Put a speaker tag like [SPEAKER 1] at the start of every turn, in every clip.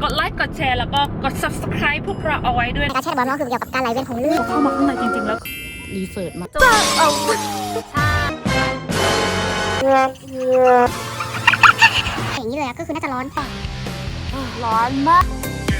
[SPEAKER 1] กดไลค์กดแชร์แล้วก็กด subscribe พวกเราเอาไว้ด้วย
[SPEAKER 2] การแช่บอลก็คือเกี่ยวกับการไหลเวียนของเลือด
[SPEAKER 1] เข้ามาข้างในจริงๆแล้วรีเสิร์ชมา
[SPEAKER 2] อย่างนี้เลยก็คือน่าจะร้อนปะ
[SPEAKER 1] ร้อนมาก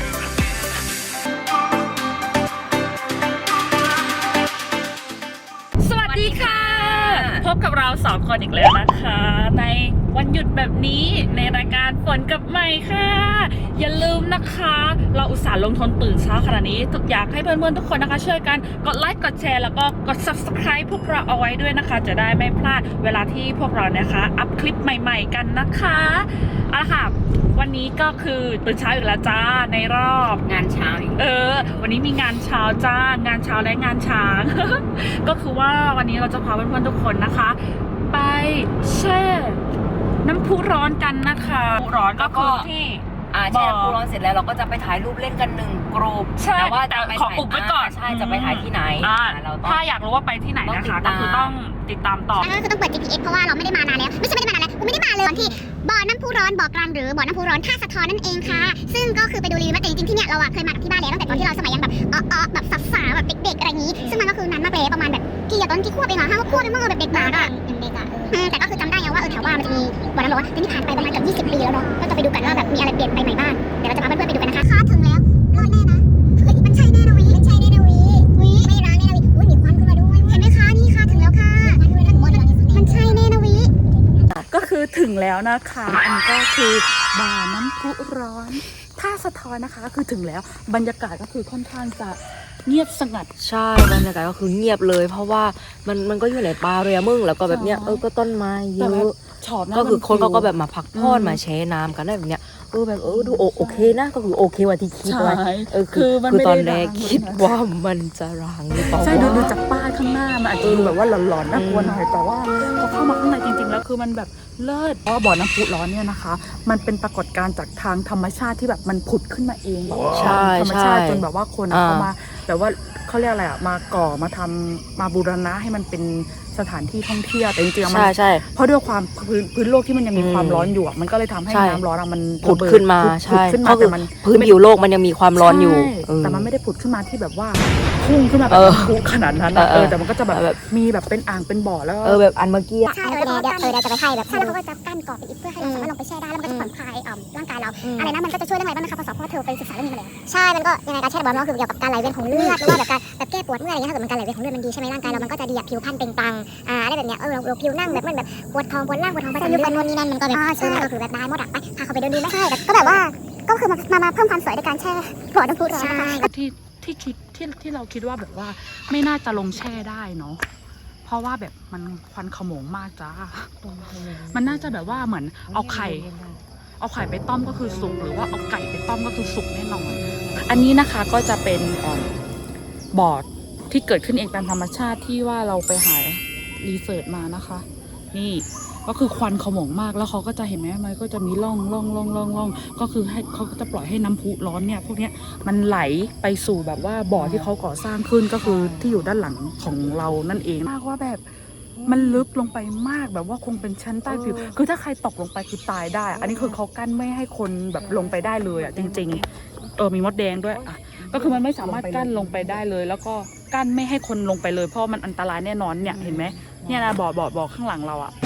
[SPEAKER 1] สวัสดีค่ะพบกับเรา2 คนอีกแล้วนะคะในวันหยุดแบบนี้ในรายการฝนกับใหม่ค่ะอย่าลืมนะคะเราอุตส่าห์ลงทุนตื่นเช้าขนาดนี้อยากให้เพื่อนๆทุกคนนะคะช่วยกันกดไลค์กดแชร์แล้วก็กด subscribe พวกเราเอาไว้ด้วยนะคะจะได้ไม่พลาดเวลาที่พวกเรานะคะอัพคลิปใหม่ๆกันนะคะเอาละค่ะวันนี้ก็คือตื่นเช้าอีกแล้วจ้าในรอบ
[SPEAKER 3] งานเช้า
[SPEAKER 1] วันนี้มีงานเช้าจ้างานเช้าและงานช้าง ก็คือว่าวันนี้เราจะพาเพื่อนๆทุกคนนะคะไปแช่น้ำพุร้อนกันนะคะน้ำพุร้อนก็คือที่
[SPEAKER 3] แช่น้ำพุร้อนเสร็จแล้วเราก็จะไปถ่ายรูปเล่นกัน1 กลุ่ม
[SPEAKER 1] แต่ว่าขออุบไว้ก่อน
[SPEAKER 3] ใช่จะไปถ่ายที่ไหน
[SPEAKER 1] ถ้าอยากรู้ว่าไปที่ไหนนะคะก็คือต้องติดตามต่อ
[SPEAKER 2] ก็คือต้องเปิด GPS เพราะว่าเราไม่ได้มานานแล้วไม่ได้มานานแล้วกูไม่ได้มาเลยที่บ่อน้ำพุร้อนบ่อกลางหรือบ่อน้ำพุร้อนท่าสะท้อนนั่นเองค่ะซึ่งก็คือไปดูรีวิวมาแต่จริงๆที่เนี่ยเราเคยมากับที่บ้านแล้วตั้งแต่ตอนที่เราสมัยยังแบบแบบสาวๆแบบเด็กๆอะไรอย่างนี้ซึ่งมันก็คือนานมากเลยประมาณแบบกี่ตอนที่ควบเองค่ะ5 ขวบเองมั้งแบบเด็กมากอะยังเด็กอะแต่ก็คือจำได้ไงว่าแถวว่ามันจะมีบ่อน้ำร้อนแต่นี่ผ่านไปประมาณเกือบ20 ปีแล้วเนาะก็จะไปดูกันว่าแบบมีอะไรเปลี่ยนไปใหม่บ้างเดี๋ยวเราจะพาเพื่อนๆไปดูกันนะคะถึงแล้วรอดแน่นะมันใช่แน่นะมันใช่แน่นะไม่ร้างแน่นะมีควันขึ้นมาด้วยเห็นไหมคะนี่ค่ะถึงแล้วค่ะมันใช่แน่นะ
[SPEAKER 1] ก็คือถึงแล้วนะคะอันนี้ก็คือบ่อน้ำพุร้อนท่าสะท้อนนะคะก็คือถึงแล้วบรรยากาศก็คือค่อนข้างจะเงียบสงัด
[SPEAKER 3] ใช่บรรยากาศก็คือเงียบเลยเพราะว่ามันก็อยู่ในป่าเลยมึงแล้วก็แบบเนี้ยก็ต้นไม้เยอะก็คือคนเขาก็แบบมาพักผ่อนมาแช่น้ำกันได้แบบเนี้ยแบบดูโอเคนะก็คือโอเคว่าที่คิดไว้คือตอนแรกคิดว่ามันจะร้างหรือเปล่า
[SPEAKER 1] ใช่ดูจากป้ายข้างหน้ามันอาจจะดูแบบว่าหลอนๆน่ากลัวหน่อยแต่ว่าพอเข้ามาข้างในจริงๆแล้วคือมันแบบเลิศเพราะบ่อน้ำพุร้อนเนี่ยนะคะมันเป็นปรากฏการณ์จากทางธรรมชาติที่แบบมันผุดขึ้นมาเองธรรมชาติจนแบบว่าคนเขามาแบบว่าเขาเรียกอะไรมาก่อมาทำมาบูรณะให้มันเป็นสถานที่ท่องเที่ยวแต่จริงๆมันเพราะด้วยความพื้นโลกที่มันยังมีความร้อนอยู่มันก็เลยทำให้น้ำร้อนมัน
[SPEAKER 3] ผุดขึ้นมาใช่แต่มันพื้นผิวโลกมันยังมีความร้อนอยู่
[SPEAKER 1] แต่มันไม่ได้ผุดขึ้นมาที่แบบว่าพุ่งขึ้นมาแบบพุ่งขนาดนั้นแต่มันก็จะแบบมีแบบเป็นอ่างเป็นบ่อแล้ว
[SPEAKER 3] แบบอันเมื่อกี้
[SPEAKER 2] ใช่เดี๋ยวจะไปให้แบบใช่แล้วเขาก็จะกั้นกรอบเป็นอิฐเพื่อให้เราสามารถลงไปแช่ได้แล้วมันก็จะผ่อนคลายร่างกายเราอะไรนะมันก็จะช่วยเรื่องอะไรบ้างนะคะเพราะเธอไปศึกษาเรื่องนี้มาแล้วใช่มันก็ยังไงการแช่บอลก็คือเกี่ยวกับการไหลเวียนของเลือดหรือว่าแบบการแบบแก้ปวดเมื่อยอะไรเงี้ยถ้าเกิดมันการไหลเวียนของเลือดมันดีใช่ไหมร่างกายเรามันก็จะดีผิวพรรณเปล่งปลั่งอะไรแบบเนี้ยเราผิวนั่งแบบมันแบบปวดท้องปวดล่างปวดท้องประจำเดือนนู่นนี่นั่นมันก็แบบใช่ก็คือแบบได้หมดอ่ะไปพาเขาไปเดินดูไหมใช่ก็แบบว่าก็คือมาเพิ่มความสวยในการแช่บ่อน้ำพุร้อนนะคะ
[SPEAKER 1] ที่เราคิดว่าแบบว่าไม่น่าจะลงแช่ได้เนาะเพราะว่าแบบมันควันขโมงมากจ้ามันน่าจะแบบว่าเหมือนเอาไข่ไปต้มก็คือสุกหรือว่าเอาไก่ไปต้มก็คือสุกแน่นอนอันนี้นะคะก็จะเป็นบ่อที่เกิดขึ้นเองตามธรรมชาติที่ว่าเราไปหารีเสิร์ชมานะคะนี่ก็คือควันขโมงมากแล้วเขาก็จะเห็นไหมมันก็จะมีร่องก็คือให้เขาก็จะปล่อยให้น้ำพุร้อนเนี่ยพวกเนี้ยมันไหลไปสู่แบบว่าบ่อที่เขาก่อสร้างขึ้นก็คือที่อยู่ด้านหลังของเรานั่นเองมากว่าแบบมันลึกลงไปมากแบบว่าคงเป็นชั้นใต้ผิวคือถ้าใครตกลงไปคือตายได้อันนี้คือเขากั้นไม่ให้คนแบบลงไปได้เลยอ่ะจริงๆมีมดแดงด้วยอ่ะก็คือมันไม่สามารถกั้นลงไปได้เลยแล้วก็กั้นไม่ให้คนลงไปเลยเพราะมันอันตรายแน่นอนเนี่ยเห็นไหมเนี่ยนะบ่อข้างหลังเราอ่ะ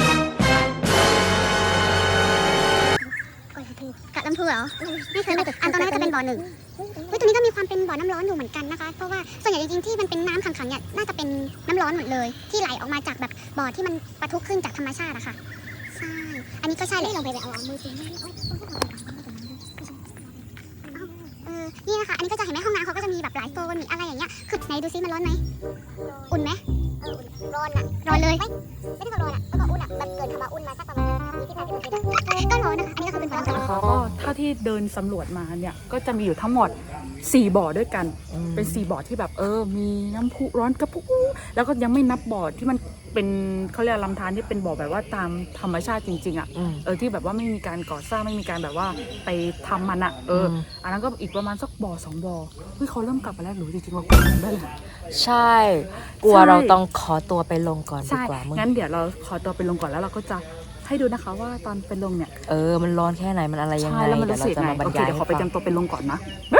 [SPEAKER 2] กัดลำพูเหรอไม่เคยอันตอนนั้นก็จะเป็นบ่อ1ตรงนี้ก็มีความเป็นบ่อน้ำร้อนอยู่เหมือนกันนะคะเพราะว่าส่วนใหญ่จริงๆที่มันเป็นน้ำขังๆเนี่ยน่าจะเป็นน้ำร้อนหมดเลยที่ไหลออกมาจากแบบบ่อที่มันปะทุขึ้นจากธรรมชาติอะค่ะใช่อันนี้ก็ใช่เลยลงไปเอามือสินี่นะคะอันนี้ก็จะเห็นไหมห้องน้ำเขาก็จะมีแบบหลายโซนมีอะไรอย่างเงี้ยคือไหนดูซิมันร้อนไหมอุ่นไหมร้อนอะร้อนเลยไม่ได้ก็ร้อนอะก็อุ่นอะแบบเกินคำว่าอุ่นมาสักประมาณ20-30 ก็ร้อนนะคะอันนี้ก็คือเป็นบ่อ
[SPEAKER 1] นะคะก็เท่าที่เดินสำรวจมาเนี่ยก็จะมีอยู่ทั้งหมด4 บ่อด้วยกันเป็น4 บ่อที่แบบมีน้ำพุร้อนกระพุ้แล้วก็ยังไม่นับบ่อที่มันเป็นเขาเรียกลำธารที่เป็นบ่อแบบว่าตามธรรมชาติจริงๆอ่ะที่แบบว่าไม่มีการก่อสร้างไม่มีการแบบว่าไปทำมันอ่ะอันนั้นก็อีกประมาณสักบ่อ2 บ่อเขาเริ่มกลับมาแล้วหรือจริงๆเรากลับได้เลย
[SPEAKER 3] ใช่กลัวเราต้องขอตัวไปลงก่อนดีกว่า
[SPEAKER 1] งั้นเดี๋ยวเราขอตัวไปลงก่อนแล้วเราก็จะให้ดูนะคะว่าตอนไปลงเนี่ย
[SPEAKER 3] มันร้อนแค่ไหนมันอะไรยังไง
[SPEAKER 1] ใช่แล้วมัน
[SPEAKER 3] เดี๋ยว
[SPEAKER 1] รู้
[SPEAKER 3] เรา
[SPEAKER 1] สึก
[SPEAKER 3] จะ
[SPEAKER 1] ไง
[SPEAKER 3] มาบรร
[SPEAKER 1] โอเค
[SPEAKER 3] ยาย
[SPEAKER 1] เดี๋ยวขอไปเตรียมตัวไปลงก่อนนะ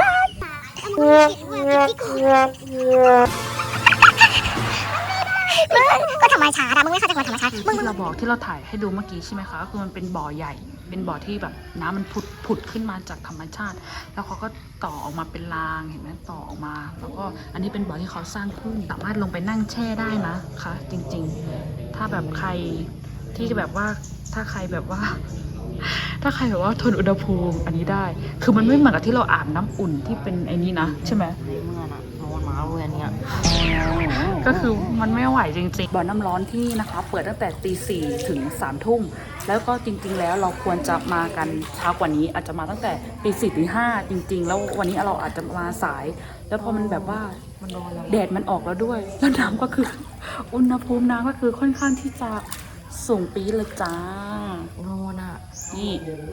[SPEAKER 2] ก็ธรรมชาติอะมึงไม่เข้าใจความธรรมชาติมึง
[SPEAKER 1] ที่เราบอกที่เราถ่ายให้ดูเมื่อกี้ใช่ไหมคะคือมันเป็นบ่อใหญ่ เป็นบ่อที่แบบน้ำมันผุดขึ้นมาจากธรรมชาติ แล้วเขาก็ต่อออกมาเป็นรางเห็นไหมต่อออกมา แล้วก็อันนี้เป็นบ่อที่เขาสร้างขึ้นสามารถลงไปนั่งแช่ได้นะคะจริงๆ ถ้าแบบใครที่แบบว่าถ้าใครแบบว่า ถ้าใครแบบว่าทนอุณหภูมิอันนี้ได้ คือมันไม่เหมือนกับที่เราอาบน้ำอุ่นที่เป็นไอ้นี้นะใช่ไหม
[SPEAKER 3] ในเมื่อน่ะร้อนมากเลยอันเนี้ย
[SPEAKER 1] ก็คือมันไม่ไหวจริงๆ บ่อน้ำร้อนที่นะคะ เปิดตั้งแต่ตี 4 ถึง 3 ทุ่ม แล้วก็จริงๆ แล้วเราควรจะมากันเช้ากว่านี้ อาจจะมาตั้งแต่ตี 4 ถึง 5 จริงๆ แล้ววันนี้เราอาจจะมาสาย แล้วพอมันแบบว่า
[SPEAKER 3] มันร้อนแล้ว
[SPEAKER 1] แดดมันออกแล้วด้วย แล้วน้ำก็คือ อุณหภูมิน้ำก็คือค่อนข้างที่จะสูงปี๊ดเลยจ้า
[SPEAKER 3] ร้อนอ่ะ
[SPEAKER 1] นี่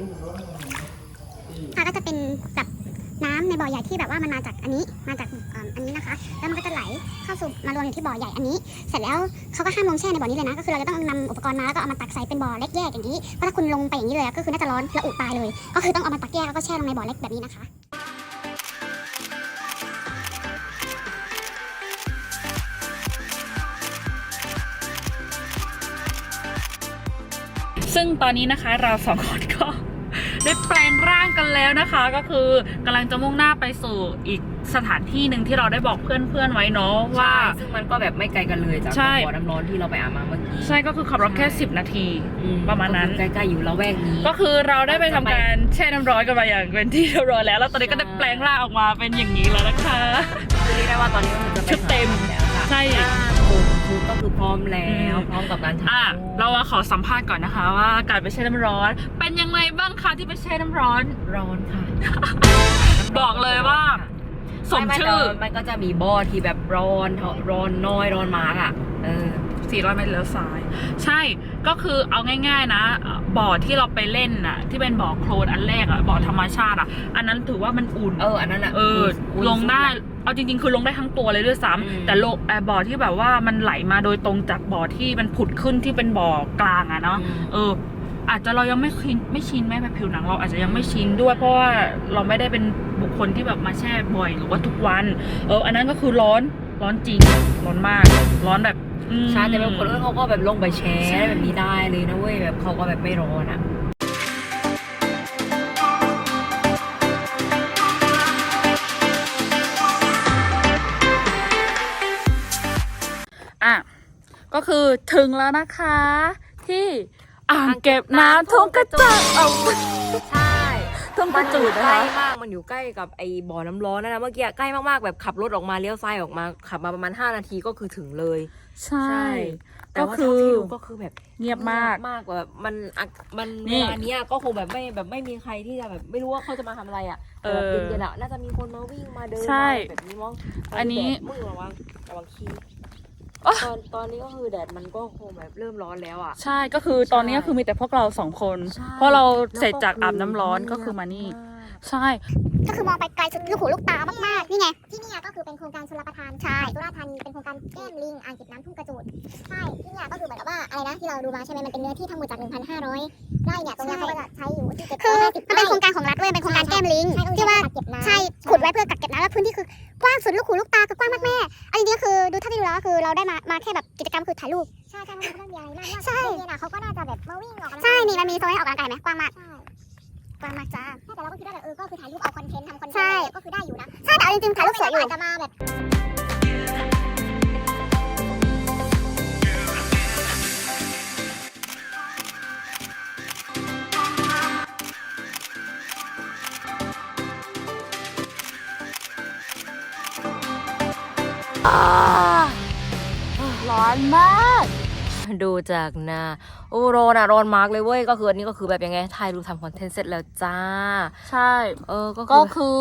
[SPEAKER 2] ก็จะเป็นแบบน้ำในบ่อใหญ่ที่แบบว่ามันมาจากอันนี้มาจากอันนี้นะคะ แล้วมันก็จะไหลเข้าสู่มารวมอยู่ที่บ่อใหญ่อันนี้ เสร็จแล้วเขาก็ห้ามลงแช่ในบ่อนี้เลยนะก็คือเราจะต้องนำอุปกรณ์มาแล้วก็เอามาตักใส่เป็นบ่อเล็กแยกอย่างนี้เพราะถ้าคุณลงไปอย่างนี้เลยก็คือน่าจะร้อนระอุตายเลย ก็คือต้องเอามาตักแยกแล้วก็แช่ลงในบ่อเล็กแบบนี้นะคะ
[SPEAKER 1] ซึ่งตอนนี้นะคะเราสองคนก็ ได้แปลงร่างกันแล้วนะคะ ก็คือกำลังจะมุ่งหน้าไปสู่อีกสถานที่หนึ่งที่เราได้บอกเพื่อนๆไว้เนาะว่า
[SPEAKER 3] ซึ่งมันก็แบบไม่ไกลกันเลยจาก
[SPEAKER 1] ใช่
[SPEAKER 3] บ่อน้ำร้อนที่เราไปอาบมาเมื่อกี้
[SPEAKER 1] ใช่ก็คือขับรถแค่ 10 นาที ประมาณนั้น
[SPEAKER 3] ก็คือใกล้ๆอยู่ละแวกนี้
[SPEAKER 1] ก็คือเราได้ไปทำการแช่น้ำร้อนกันมาอย่างเป็นที่เรียบร้อยแล้วแล้วตอนนี้ก็ได้แปลงร่างออกมาเป็นอย่างนี้แล้วนะคะ
[SPEAKER 3] คือเรียกได้ว่าตอนนี้ก็คือจะไป
[SPEAKER 1] ชุดเต็ม
[SPEAKER 3] แล้วค่ะ
[SPEAKER 1] ใช่
[SPEAKER 3] ชุดก็คือพร้อมแล้วพร้อมกับการถ่ายรูป
[SPEAKER 1] เราขอสัมภาษณ์ก่อนนะคะ ว่าการไปแช่น้ำร้อน เป็นยังไงบ้างคะที่ไปแช่น้ำร้อน
[SPEAKER 3] ร้อนค่ะ
[SPEAKER 1] บอกเลยว่า สมชื่อ
[SPEAKER 3] มันก็จะมีบ่อที่แบบร้อนน้อยร้อนมากอ่ะ
[SPEAKER 1] 400 เมตรเลี้ยวซ้าย ใช่ก็คือเอาง่ายๆนะบ่อที่เราไปเล่นน่ะที่เป็นบ่อโคลนอันแรกอะบ่อธรรมชาติอะอันนั้นถือว่ามันอุ่น
[SPEAKER 3] อันนั้นอ่ะ
[SPEAKER 1] ลงได้เอาจริงๆคือลงได้ทั้งตัวเลยด้วยซ้ำแต่บ่อที่แบบว่ามันไหลมาโดยตรงจากบ่อที่มันผุดขึ้นที่เป็นบ่อกลางอะเนาะอาจจะเรายังไม่ชินแม้แบบผิวหนังเราอาจจะยังไม่ชินด้วยเพราะว่าเราไม่ได้เป็นบุคคลที่แบบมาแช่บ่อยหรือว่าทุกวันอันนั้นก็คือร้อนจริงร้อนมากร้อนแบบ
[SPEAKER 3] ใช่แต่บางคนเขาก็แบบลงไปแชร์แบบนี้ได้เลยนะเว้ยแบบเขาก็แบบไม่ร้อน
[SPEAKER 1] อ่ะก็คือถึงแล้วนะคะที่อ่างเก็บน้ำทุ่งกระจก
[SPEAKER 3] ใช่
[SPEAKER 1] ทุ่งกระจูดนะคะ
[SPEAKER 3] ใกล้มากมันอยู่ใกล้กับไอ้บ่อน้ำร้อนนะเมื่อกี้ใกล้มากๆแบบขับรถออกมาเลี้ยวซ้ายออกมาขับมาประมาณ5 นาทีก็คือถึงเลย
[SPEAKER 1] ใช่
[SPEAKER 3] แต่ว่าที่ดูก็คือแบบ
[SPEAKER 1] เงียบมาก
[SPEAKER 3] กว่าแบบมันเวลานี้ก็คงแบบไม่มีใครที่จะแบบไม่รู้ว่าเขาจะมาทำอะไรอ่ะแบบเย็นๆอ่ะน่าจะมีคนมาวิ่งมาเดินแบบนี้มั้ง
[SPEAKER 1] อันนี้
[SPEAKER 3] มึงระวังขี้ตอนนี้ก็คือแดดมันก็คงแบบเริ่มร้อนแล้วอ่ะ
[SPEAKER 1] ใช่ก็คือตอนนี้ก็คือมีแต่พวกเรา2 คนเพราะเราเสร็จจากอาบน้ำร้อนก็คือมานี่ใช่
[SPEAKER 2] ก็คือมองไปไกลสุดลูกหูลูกตามากๆนี่ไงที่นี่ก็คือเป็นโครงการชลประทานใช่สุราษฎร์ธานีเป็นโครงการแก้มลิงอ่างเก็บน้ำทุ่งกระจูดใช่ที่นี่ก็คือเหมือนกับว่าอะไรนะที่เราดูมาใช่ไหมมันเป็นเนื้อที่ทั้งหมดจาก 1,500 ไร่เนี่ยตรงนี้เขาก็จะใช้อยู่ที่คือมันเป็นโครงการของรัฐเว้ยเป็นโครงการแก้มลิงที่ว่าใช่ขุดไว้เพื่อกักเก็บน้ำแล้วพื้นที่คือกว้างสุดลูกหูลูกตาคือกว้างมากแม่อันนี้คือดูถ้าที่ดูแล้วคือเราได้มาแค่แบบกิจกรรมคือถ่ายรูปใช่มันเป็นเรื่องใหญ่มากใช่เนี่ยเขาก็น่าจะแบบมาวิ่งออกกำลังกายใช่นี่มันมีโซนให้ออกกำลังกายไหมกว้างมากกว้างมากจ้าแต่เราก็คิดว่าแบบก็คือถ่ายรูปเอาคอนเทนต์ทำคอนเทนต์ก็คือได้อยู่นะใช่แต่เอาจริงๆถ่ายรูปสวยอยู่อาจจะมาแบบ
[SPEAKER 1] ร้อนมาก
[SPEAKER 3] ดูจากหน้าร้อนมากเลยเว้ยก็คืออันนี้ก็คือแบบยังไงถ่ายรูปทำคอนเทนต์เสร็จแล้วจ้า
[SPEAKER 1] ใช่ก็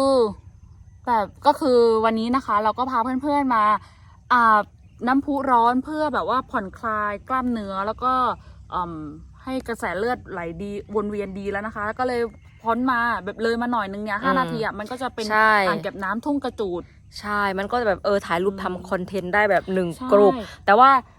[SPEAKER 1] คือวันนี้นะคะเราก็พาเพื่อนๆมาอาบน้ำพุร้อนเพื่อแบบว่าผ่อนคลายกล้ามเนื้อแล้วก็ให้กระแสเลือดไหลดีวนเวียนดีแล้วนะคะก็เลยพ้นมาแบบเลยมาหน่อยนึงเนี่ย5 นาทีอ่ะมันก็จะเป็นอ่างเก็บน้ำทุ่งกระจูด
[SPEAKER 3] ใช่มันก็จะแบบถ่ายรูปทำคอนเทนต์ได้แบบ1 กลุ่มแต่ว่า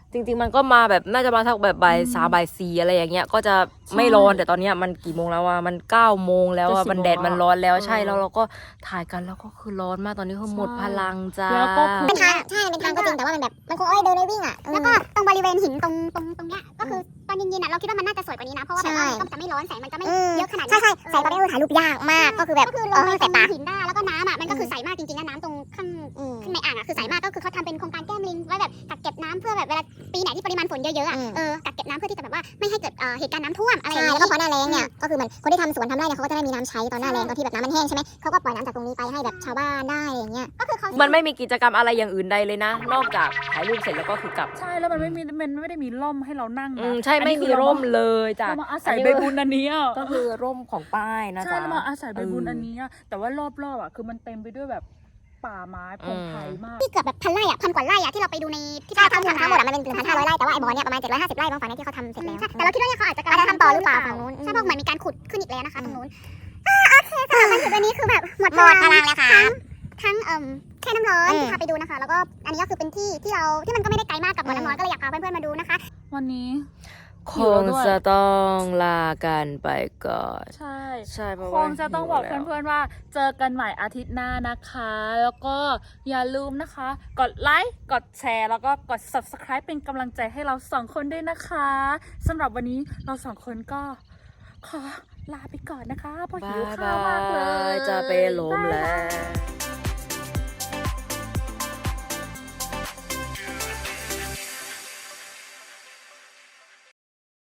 [SPEAKER 3] จริงๆมันก็มาแบบน่าจะมาทักแบบบ่าย3บ่าย4อะไรอย่างเงี้ยก็จะไม่ร้อนแต่ตอนเนี้ยมันกี่โมงแล้วอะมัน9โมงแล้วอะ
[SPEAKER 1] จะ10
[SPEAKER 3] มันแดดมันร้อนแล้ว
[SPEAKER 1] เออ
[SPEAKER 3] ใช่แล้วเราก็ถ่ายกันแล้วก็คือร้อนมากตอนนี้คือหมดพลังจ้า
[SPEAKER 1] แล้วก็คือ
[SPEAKER 2] เป็นทางใช่เป็นทางก็จริงแต่ว่ามันแบบมันคงเดินได้วิ่งอ่ะแล้วก็ตรงบริเวณหินตรงเนี้ยก็คือตอนเย็นๆอ่ะเราคิดว่ามันน่าจะสวยกว่านี้นะเพราะว่าแบบว่ามันก็จะไม่ร้อนแสงมันจะไม่เยอะขนาดนี้ใช่แสงตอนนี้ถ่ายรูปยากมากก็คือแบบลงไปตรงหินได้แล้วก็น้ำอ่ะมันก็คือใสมากจริงๆนะน้ำตรงข้างในอ่างอ่ะคือใสมากก็คือเขาทำเป็นโครงการแก้มลิงไว้แบบกักเก็บน้ำเพื่อแบบเวลาปีไหนที่ปริมาณฝนเยอะๆอ่ะกักเก็บน้ำเพื่อที่จะแบบว่าไม่ให้เกิดเหตุการณ์น้ำท่วมอะไรอย่างนี้แล้วก็พอหน้าแล้งเนี่ยก็คือมันคนที่ทำสวนทำไร่เนี่ยเขาก็จะได้มีน้ำใช้ตอนหน้าแล้งตอนที่แบบน้ำมันแห้งใช่ไหมเขาก็ปล่อยน้ำจากตรงนี้ไปให้แบบชาวบ้านได้อะไรอย่างเงี้ยก็คือเขา
[SPEAKER 3] มันไม่มีกิจกรรมอะไรอย่างอื่นใดเลยนะ นอกจากถ่ายรูปเสร็จแล้วก็คือกลับ
[SPEAKER 1] ใช่แล้วมันไม่ได้มีร่มให้เรานั่งนะ
[SPEAKER 3] ใช่
[SPEAKER 1] อัน
[SPEAKER 3] ไม่
[SPEAKER 1] นี้คื
[SPEAKER 3] มี
[SPEAKER 1] อ
[SPEAKER 3] ร่มเลยจ้ะ
[SPEAKER 1] เรามาอาศัยใบบุญอันนี้อ่ะ
[SPEAKER 3] ก็คือร่มของป้ายนะ
[SPEAKER 1] ใช่
[SPEAKER 3] จ๊ะ
[SPEAKER 1] เรามาอาศัยใบบุญอันนี้อ่ะแต่ว่ารอบๆอ่ะคือมันเต็มไปด้วยแบบป่าไม้พงไพรมาก
[SPEAKER 2] ที่เกือบแบบพันไร่อะพันกว่าไร่อะที่เราไปดูในที่ป้าทั้งหมดอะมันเป็น1,500 ไร่แต่ว่าไอ้บ่อเนี่ยประมาณ750 ไร่บางฝั่งเนี่ยที่เขาทำเสร็จแล้วแต่เราคิดว่าเนี่ยเขาอาจจะกำลังทำต่อหรือเปล่าฝั่งนู้นใช่เพราะเหมือนมีการขุดขึ้นอีกแล้วนะคะตรงนู้นโอเคสำหรับวันหยุดวันนี้คือแบบหมดพลังแล้วค่ะทั้งแช่น้ำร้อนที่พาไปดูนะคะแล้วก็อันนี้ก็คือเป็นที่มันก็ไม่ได้ไกลมากกับบ่อน้ำร้อนก็เลยอยากพาเพื่อนๆมาดูนะคะ
[SPEAKER 1] วันนี้
[SPEAKER 3] คงจะต้องลากันไปก่อน
[SPEAKER 1] ใช่
[SPEAKER 3] ใช่เพราะ
[SPEAKER 1] ค
[SPEAKER 3] ว่าง
[SPEAKER 1] จะต้องบอก
[SPEAKER 3] หิวแล้ว
[SPEAKER 1] เพื่อนๆว่าเจอกันใหม่อาทิตย์หน้านะคะ แล้วก็อย่าลืมนะคะ กดไลค์กดแชร์แล้วก็กด subscribe เป็นกำลังใจให้เราสองคนด้วยนะคะสำหรับวันนี้เราสองคนก็ขอลาไปก่อนนะคะเพราะหิวข้าวมากเลย
[SPEAKER 3] จะไปล้มแล้ว